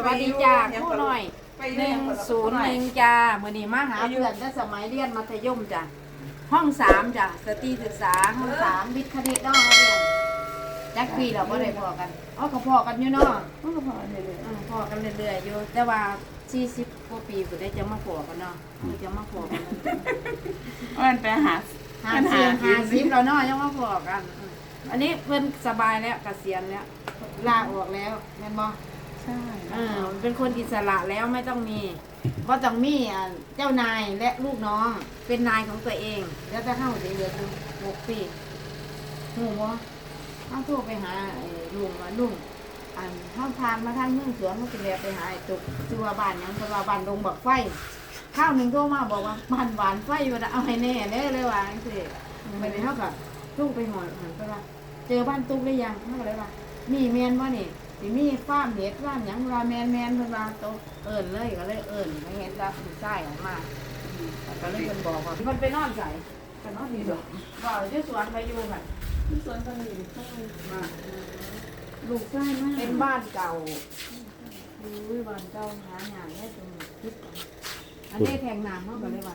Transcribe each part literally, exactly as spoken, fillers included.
วัสดีจ้าคู่หน่อยหนึ่งศูนย์หนึ่งจ้ามื่อนี้มาหาเพื่อนตั้งสมัยเรียนมัธยมจ้ะห้องสามจ้ะสตรีศึกษาห้องสามวิทย์คณิตน้องเรียนจักปีเราก็ได้พอกันอ๋อก็พอกันอยู่เนาะอ๋อก็พอกันเรื่อยๆพอกันเรื่อยๆอยู่แต่ว่าสี่สิบกว่าปีก็ได้จะมาพอกันเนาะจะมาพอกันมันไปหาหาเสียงหาซิปเราเนาะยังมาพอกันอันนี้เพื่อนสบายแล้วเกษียณแล้วลาออกแล้วแม่นบ่ใช่เออเป็นคนอิสระแล้วไม่ต้องมีก็ต้องมีเจ้านายและลูกน้องเป็นนายของตัวเองแล้วจะเข้าจะเหลืออยู่หกปีหูบ่ต้องโทรไปหาลุงว่าลุงอันเข้าทานมาทางเมืองสวนเขาจะเรียกไปหาไอ้ตุกชื่อว่าบ้านยังคือว่าบ้านดงบักไฟข้าวหนึ่งโทรมาบอกว่าบ้านหวานไฟอยู่นะเอาให้แน่เด้เลยว่าจังซี่ไม่ได้เท่ากับลุงไปหอยหันไปว่าเจอบ้านตุ๊กได้ยังเท่าเลยว่ามีเมียนว่านี่สิมีฟาร์มเห็ดฟาร์มหยังว่าแมนแมนเพิ่นว่าโตเอิ้นเลยก็เลยเอิ้นไม่เห็นรับใส่ออกมาก็เลยเพิ่นบอกว่าเพิ่นไปนอนใส่ก็นอนอยู่บ่บ่อยู่สวนไปอยู่ค่ะที่สวนตอนนี้มาลูกใกล้มากเป็นบ้านเก่าอุ้ยบ้านเก่าหาหยังได้ตรงนี้คิดอันนี้แทงน้ำเฮาก็เลยว่า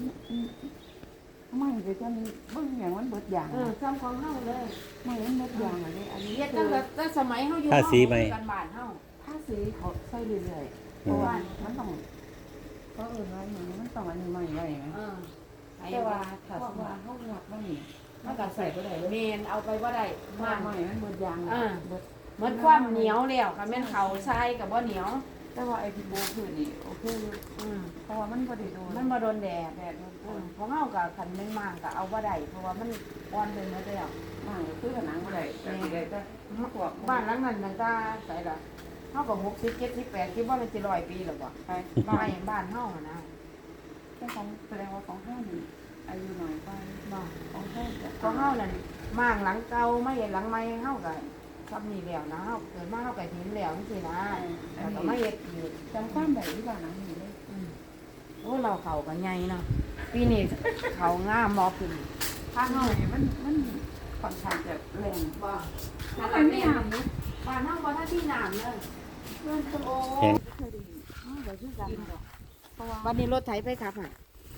ไม่เดี๋ยวจะเบิ่งอย่างมันเบิดอย่างเออซ้ำของเฮาเลยไม่มันเบิดอย่างอะไรอันนี้เฮ็ดตั้งแต่ตั้งสมัยเฮาอยู่กันบ้านเฮาถ้าสีเขาใส่เรื่อยๆเพราะว่ามันต้องก็เออว่าอย่างนี้มันต้องอันนี้ใหม่ไว้ไหมแต่ว่าถ้าสมมติว่าเฮาหลักมันนี่มันก็ใส่บ่ได้เลยเมนเอาไปบ่ได้มากใหม่มันเบิดอย่างเออเบิดเหมือนความเหนียวแล้วค่ะแม่นเขาทรายกับบ่เหนียวแต่ว่าไอ้ที่โบคือนี่โอเคอืมเพราะว่ามันบ่ได้โดนมันบ่โดนแดดแดดอืมเพราะเฮาก็คันมันมากก็เอาบ่ได้เพราะว่ามันอ่อนไปหมดแล้วมากคือผนังบ่ได้แต่สิได้แต่พวกบ้านหลังนั้นตั้งแต่ไสล่ะเฮาก็หกสิบ เจ็ดสิบ แปดสิบบ่มันสิร้อยปีแล้วบ่ไปบ้านบ้านเฮานะแต่ของแสดงว่าของเฮานี่อายุน้อยกว่าบ่ของเฮาของเฮานั่นมางหลังเก่าไม่เห็นหลังใหม่เฮาก็ทำนี่แล้วนะเฮาเกิดมาเฮาก็หินแล้วจังซี่นะแล้วก็มาเฮ็ดอีกจำความได้ที่บ้านหลังนี้เลยโอ้เราเขากันใหญ่เนาะปีนี้เขางามมอขึ้นถ้าเฮามันมันค่อนข้างจะแรงบ่ถ้าเราไม่น้ำนะบ้านเฮาบ่ทันที่น้ำเลยเพิ่นโอ้เคยได้ยินเดี๋ยวชื่อกันเพราะว่าวันนี้รถไถไปครับอ่ะ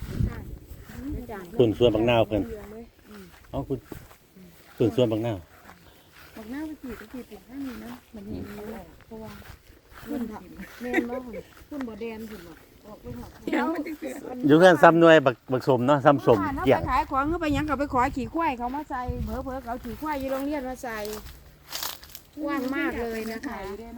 ส่วนส่วนบางนาวเพิ่นเอ้าคุณส่วนส่วนบางนาวบางนาวไปขี่ไปขี่เป็นข้างนี้นะมันเห็นเพราะว่าขึ้นแม่นบ่ขึ้นบ่แดนขึ้นบ่ออกไปหอดอยู่กันซ้ำหน่วยบักบักสมเนาะซ้ำสมเกี่ยงไปขายของเขาไปยังเขาไปขอขี่ควายเขามาใส่เผลอเผลอเขาขี่ควายอยู่โรงเรียนมาใส่กว้างมากเลยนะคะ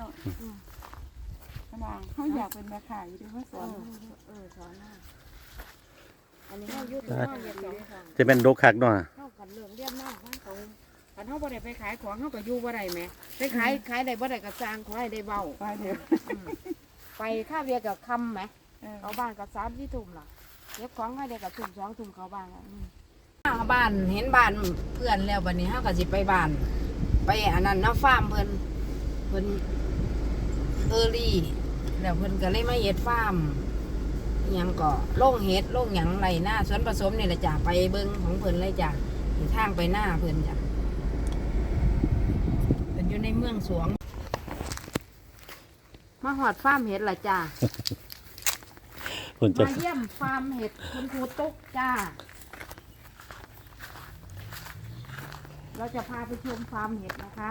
เขาอยากเป็นแม่ขายด้วยว่าสอนเออสอนอันนี้เขายุติเขาเรียนสองครั้งจะเป็นโรคคักเนาะเขาขันเรื่องเรียนมากเขาขันเขาบ่ได้ไปขายของเขาก็อยู่บ่ได้ไหมไปขายขายได้บ่ได้ก็จ้างขอให้ได้เบาไปเถอะไปข้าวเรียกับคำไหมเขาบ้านกับสามที่ทุ่มล่ะเก็บของให้ได้กับทุ่มสองทุ่มเขาบ้านบ้านเห็นบ้านเพื่อนแล้ววันนี้เขาก็สิไปบ้านไปอันนั้นน้าฟาร์มเพิ่นเพิ่นเออรี่แล้วเพิ่นก็เลยมาเฮ็ดฟาร์มยังก็โล่งเฮ็ดโล่งหยังไรหน้าสวนผสมนี่แหละจ้ะไปเบิ้งของเพิ่นเลยจ้ะทางไปหน้าเพิ่นจ้ะเพิ่นอยู่ในเมืองสวงมาหอดฟาร์มเห็ดล่ะจ้ามาเยี่ยมฟาร์มเห็ดคุณครูตุ๊กจ้าเราจะพาไปชมฟาร์มเห็ดนะคะ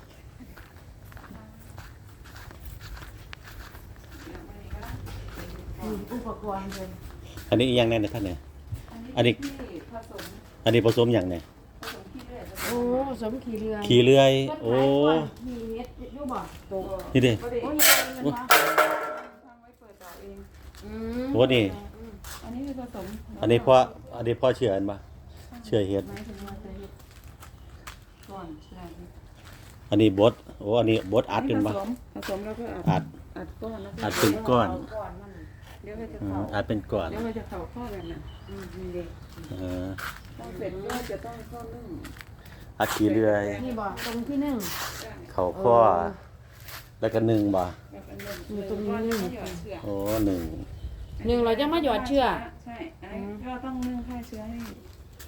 อุปกรณ์เลยอันนี้อย่างแน่นท่านเนี่ยอันนี้อันนี้ผสมอย่างไงโอ้สมขี่เรือขี่เรือโอ้มีเห็ดยูบ่นี่เด้โอ้ยโอ้นี่อันนี้คือผสมอันนี้พ่ออันนี้พ่อเชื่ออันปะเชื่อเห็ดอันนี้บดโอ้อันนี้บดอัดเป็นปะผสมแล้วก็อัดอัดก้อนอัดเป็นก้อนเดี๋ยวจะเข้าอัดเป็นก้อนเดี๋ยวจะเข้าข้อแบบนั้นอืมนี่เด็กเออต้องเสร็จก็จะต้องข้อนึ่งอัดขี่เรือนี่บ่ตรงที่หนึ่งเขาข้อแล้วก็หนึ่งบ่อยู่ตรงนี้หนึ่งโอ้หนึ่งหนึ่งเราจะมาหยอดเชื่อใช่ก็ต้องนึ่งฆ่าเชื้อให้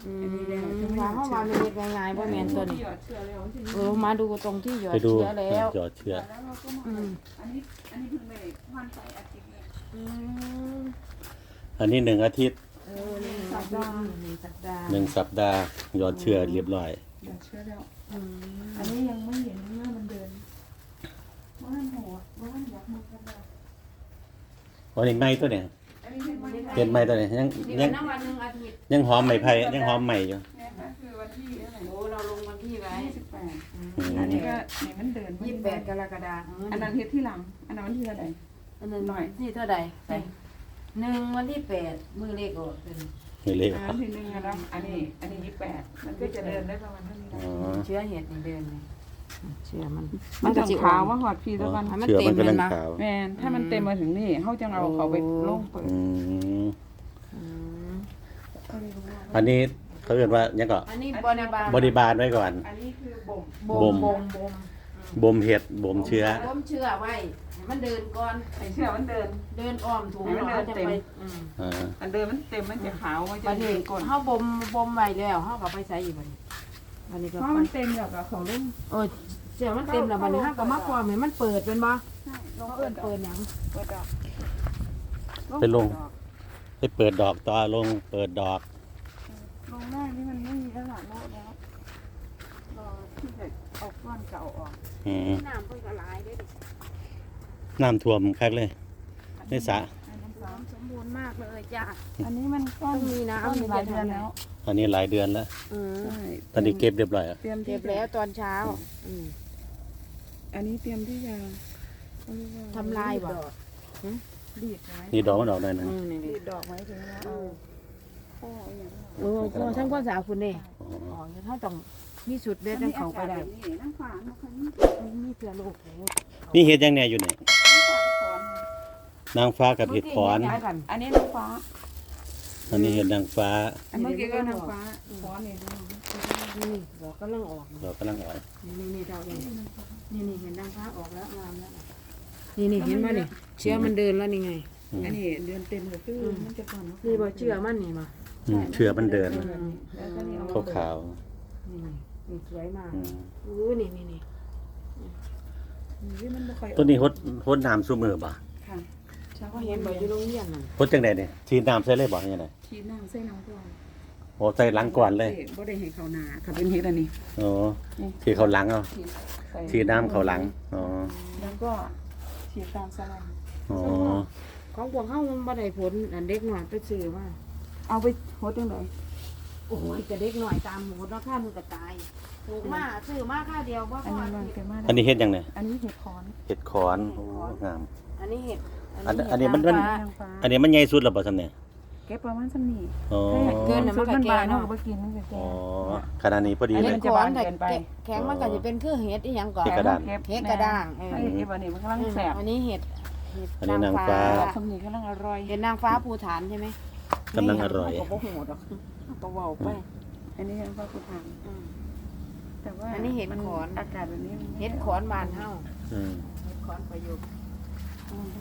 อืมว่าเฮาว่ามันเฮ็ดง่ายๆบ่แม่นตัวนี้หยอดเชื้อแล้วมันจะเออมาดูตรงที่หยอดไปดูเชื้อแล้วหยอดเชื้อแล้วเราก็มาอันนี้อันนี้เพิ่งได้วันไปอาทิตย์นี้อืมอันนี้หนึ่งอาทิตย์เออหนึ่งสัปดาห์หนึ่งสัปดาห์หนึ่งสัปดาห์หยอดเชื้อเรียบร้อยหยอดเชื้อแล้วอืมอันนี้ยังไม่เห็นเมื่อมันเดินเมื่อมันหัวเมื่อมันยักมือกันแล้ววันนี้ไม้ตัวเนี่ยอันนี้เป็นวันที่เห็นไม้ตัวเนี่ยยังนี่ยัก็งนับวันหนึ่งอาทิตย์ยังหอมไม้ไผ่ยังหอมใหม่อยู่เนี่ยค่ะคือวันที่เท่าไหร่โอ้เราลงวันที่ไว้ยี่สิบแปดอืมอันนี้ก็นี่มันเดินยี่สิบแปดกรกฎาคมอันนั้นเฮ็ดที่หลัง อันนั้นวันที่เท่าไหร่อันนั้นหน่อยที่เท่าใดไปหนึ่งวันที่แปดมือเลขออกเป็นนี่เลยอันนั้นที่หนึ่งนะอันนี้ อันนี้ยี่สิบแปดมันก็จะเดินได้ประมาณเท่านี้อ๋อเชื้อเห็ดนี่เดินนี่เชื้อมันมันจะขาวว่าหอดพีตะวันให้มันเชื้อเต็มัมนกำลังเลยนะขาวแม่นถ้ามันเต็มมาถึงนี่เขาจะเอาเขาไปลงเปิดอืมอืมอันนี้เขาเรียกว่ายังก็อันนี้บริบาลบริบาลไว้ก่อนอันนี้คือบ่มบ่มบ่บ่มมบ่มบ่มเห็ดบ่มเชื้อบ่มเชื้อไว้ให้มันเดินก่อนไอ้เชื้อมันเดินเดินอ้อมถุงให้มันเดินจะเต็มไปอืมอ่าอันเดินมันเต็มมันจะขาวมันจะบัดเดินี้นก้นเฮาบ่มบ่มไว้แล้วเฮาก็ไปใส่อีกบัดนี้บัดนี้ก็เพราะไปมันเต็มแล้วก็เขาลงโอ้ยเสื้อมันเต็มแล้วบัดนี้เฮาก็มาพร้อมให้มันเปิดเป็นบ่ใช่ลงเขาเปิเอิ้ดนดอเปิกดหยังเปิดดอกไปลง ให้เปิดดอกต่อลงเปิดดอกลงหน้านี่มันไม่มีแล้วล่ะโลดแล้วรอที่จะเอาก้อนเก่าออกอืมน้ำเพิ่นก็หลายเด้ดิน้ำท่วมคักเลย ในสระอันนี้น้ำสมบูรณ์มากเลยจ้ะอันนี้มันก้อนต้องมีน้ำก้อนมีหลายจะเดือนทำแล้วอันนี้หลายเดือนแล้วอืมใช่ตอนนี้เก็บเรียบร้อยแล้วเตรียมที่เก็บแล้วตอนเช้าอืมอันนี้เตรียมที่จะเขาเรียกว่าทำลายบ่ดีดไว้นี่ดอกมันออกหน่อยหนึงอืมนี่ดีดดอกไว้ถึงแล้วเอาพ่อเอาอย่างนั้นโอ้โหทั้งภาษาคุณนี่อ๋ออ๋อเฮาต้องมีสุดเด็ดจังเขาไปได้อันนี้อากาศแบบนี้น้ำฝาเนาะค่ะนี่มันมีเพื่อลูกโอ้นี่เห็ดยังแหน่อยู่นี่น้ำฝาขอนนางฟ้ากับเห็ดขอนเมื่กี้เฮ็ดหยังกันอันนี้น้ำฟ้าอันนี้เห็ดนางฟ้าอันเมื่อกี้ก็น้ำฟ้าขอนนี่ดูนี่ดอกกำลังออกดอกกำลังออกนี่นี่นี่ดอกนี่นี่นี่เห็นนางฟ้าออกแล้วงามแล้วนี่นี่เห็นไหมนี่เชื้อมันเดินแล้วนี่ไงอืมอันนี้เดือนเต็มเลยคือมันจะก่อนนี่บ่เชื่อมันนี่มาอืมเชื้อมันเดินแล้วก็นี่เอาขาวขาวนี่นี่สวยมากๆอืมอู้นี่นี่นี่นี่มันไม่ค่อยต้นนี้ฮดฮดน้ำซุมือบ่ค่ะเช้าก็ก็เห็เห็นนบ่บ่ออยู่ ยู่โรงเรียนนั่นฮดจังไดเนี่ยฉีดน้ำใส่เลยบ่ยังไงทีน้ำใส่น้ำก่อนโอ้ใส่หลังก่อนเลยบ่ได้ให้เขานาค่ะเป็นเฮ็ดอันนี้โอ้ฉีดเขาหลังเอาฉีดใส่ฉีดน้ำเขาหลังอ๋อแล้วก็ฉีดตามสลัมอ๋อของพวกเฮามันบ่ได้ผลอันเด็กน้อยไปซื้อมาเอาไปโหดจังไดโอ้ยแต่เด็กน้อยตามหมูราคามันก็ตายถูกมาซื้อมาค่าเดียวบ่พอันอนี้มันเป็นมาอันนี้เห็ดยังไงอันนี้เห็ดคอนเห็ดขอนโอ้งามอันนี้เห็ดอันอันนี้มันมันเห็ดางฟ้านางฟ้าอันนี้มันใหญ่สุดแล้วบ่ซำเนี่ยเก็บประมาณสักนี้อ๋อเกินน่ะมันก็แก่บานเนาะเนาะบ่กินมันก็แก่อ๋อขนาดนี้พอดีอันเลนี้ยจะขบาอนเกินไปแข็งมันก็จะเป็นคือเห็ดอีหยังก่อนเห็ดกระด้างเห็ดกระด้างเออไอ้เอฟอันนี้มันกำลังแสบอันนี้เห็ดเห็ดอันนี้นางฟ้าคำนี้กำลังอร่อยเห็ดนางฟ้าภูฐานใช่ไหมกำลังอร่อยเขาก็โหดหรอกก็เว้าไป อันนี้ยังว่ากูทานอืมแต่ว่าอันนี้เห็ดมัขอนอากาศแบบนี้มันไม่เห็ดขอนบานเฮาอืมเห็ดขอนประยุกต์อืม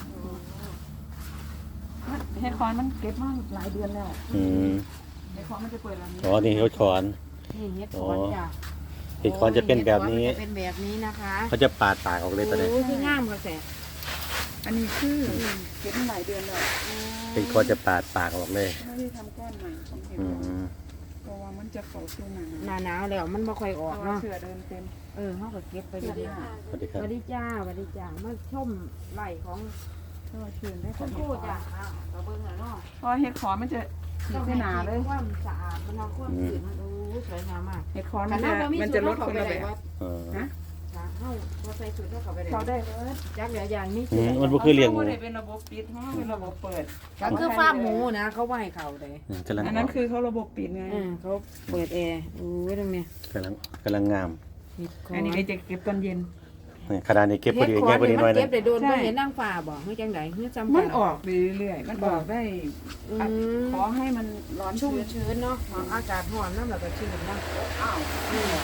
เห็ดคอนมันเก็บมาหลายเดือนแล้วอืมเห็ดคอนมันจะเปิดแล้วนี้อ๋อนี่เห็ดขอนนี่เห็ดขอนจ้ะเห็ดขอนจะเป็นแบบนี้เห็ดขอมัจะเป็นแบบนี้นะคะเขาจะปาดปากออกเลยตอนนี้โอ้ยคืองามค่ะแสอันนี้คือเก็บมาหลายเดือนแล้วเห็ดขอนจะปาดปากออกเลยไม่ได้ทำก้อนใหม่ของเห็ดอืคอนมเพราะว่ามันจะเป่าช่วงหนาหน้าหนาวแล้วมันบ่ค่อยอเพอกราะว่าเนาะเสือเดินเต็มเออเฮาก็เก็บไปเสือเรื่อยหน้าสวัสดีๆคสรับวัสดีจ้าสวัสดีจ้ามาชมไร่ของเพราะว่าเชือนได้คุของณคเห็รูดคอจ้ะอ้าวก็เบิ่งแล้วเนาะเพราะเห็ดคอนมันจะฉีดเส้นหนาเลยความสะอาดมันเอาความสะอาดมันโอ้สวยงามมากเห็ดคอนมันจะมันจะลดคนละแบบเออฮะจ้ะเฮาบ่ใส่ชุดเฮาเข้าไปได้เขาได้เลยจักเหลืออย่างนี้อืมมันบ่คือเลี้ยงหมูขาได้เป็นระบบปิดเขาเป็นระบบเปิดก็คือฟาร์มหมูนะเขาบ่ให้เข้าเลยอืมกำลังอันอนั้อน กคือเขาระบบปิดไงเออเขาเปิดแอร์โอ้ยตรงนี้กำลังกำลังงามเห็ดขออันนี้นก็จะเก็บตอนเย็นนี่ขนาดนี้เก็บพอดีเห็ดขอแง่นพอดีนี่หน่มัอยนหนึเก็งบได้โดนบ่เห็นนางฟ้าบ่เฮ้ยจังได๋เฮ้ยจำมักันออกไปเรื่อยๆมันออกได้อืมขอให้มันร้อนชุ่ชุ่มมชื้นเนาะอากาศร้อนนำแล้วก็ชื้นเนาะอ้าวอืม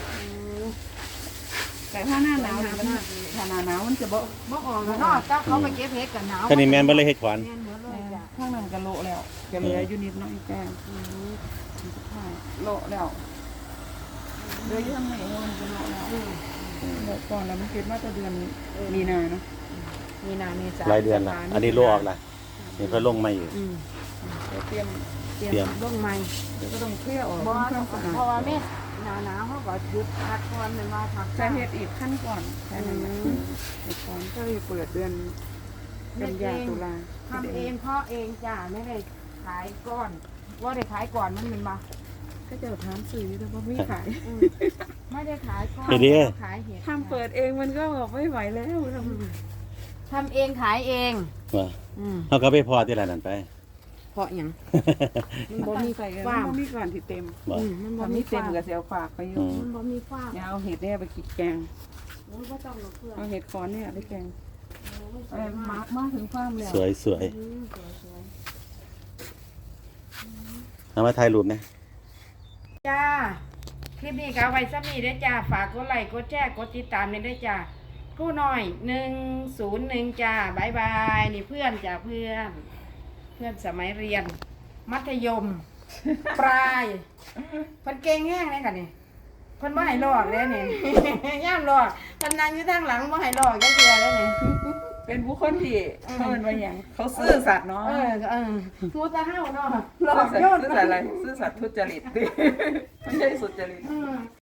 แต่ถ้าหน้าหนาวเนี่ยมันถ้าหน้าหนาวมันจะบ่บ่ออกแล้วเนาะถ้าเขาไปเก็บเห็ดกันหนาวแค่นี้แม่นบ่เลยเห็ดขอนแม่นหมดเลยจ้ะข้างนั้นก็โละแล้วจะเหลืออยู่นิดหน้อยแก้มอืมใช่โลแล้วเดือนที่ทำไงมันเป็นโลแล้วอืมโลก่อนแล้วมันคิดว่าจะเดือนมีนาเนาะมีนาเมษารายเดือนละอันนี้โลออกละนี่ก็ลงมาอยู่อืมเดี๋ยวเตรียมเตรีเตรียยมมลงใหม่เดี๋ยวก็ต้องเคลียร์ออกเพราะว่าทำความสะอาดเพราะว่าเมษหนาวหนาวเขาก็หยุดพักก่อนเป็นว่าพักจะเฮ็ดอีกขั้นก่อนแค่นั้นแหละอืมอีกก่อนก็เลยเปิดเดือนกันยาตุลาทำเองเพราะเองจ้าไม่ได้ขายก้อนว่าได้ขายก่อนมันเป็นมาก็จะถามสื่อแต่ว่าไม่ขายอืมไม่ได้ขายก้อนเดี๋ยวขายเห็ดทำเปิดเองมันก็บอกไม่ไหวแล้วทอืมทำเองขายเองว่าอืมเขาก็ไปพอที่ร้านนั้นไปเพราะหยังำมันบ่มีใส่กันฟาร์มมันบ่มีก่อนที่เต็มบอกอืมมันบ่ทำมีนี่เต็มฟาร์กับเสียวฝากไปอยู่อืมมันบ่มีฟาร์มเนี่ยเอาเห็ดเนี่ยไปกินแกงโอ้ยบ่ต้องหรอกเพื่อนเอาเห็ดคอนเนี่ยไปแกงโอ้ยสเอวยอมามาก มาถึงความแล้วสวยสวยอืมสวยสวยเอามาถ่ายรูปนะจ้า คลิปนี้ก็เอาไว้ซ้ำนี้เด้อจ้า ฝากกดไลค์กดแชร์กดติดตามเลยเด้อจ้าครู่น้อยหนึ่งศูนย์หนึ่งจ้าบายบายนี่เพื่อนจ้าเพื่อน เพื่อนสมัยเรียน มัธยม ปลายเพิ่นเก่งแห้งเลยค่ะนี่เพิ่นบ่ให้ลอกเลยนี่ ย่ามลอกเพิ่นนั่งอยู่ทางหลังบ่ให้ลอกจักเทื่อเลยนี่เป็นผู้คนที่เขาเป็นว่าอย่างเขาซื่อสัตย์เนาะเออเออฮู้แตาเฮาเนาะลซื่ออก สัตโยย์นซื่อสัตย์อะไรซื่อสัตย์ทุจริต ไม่ใช่สุจริตอืม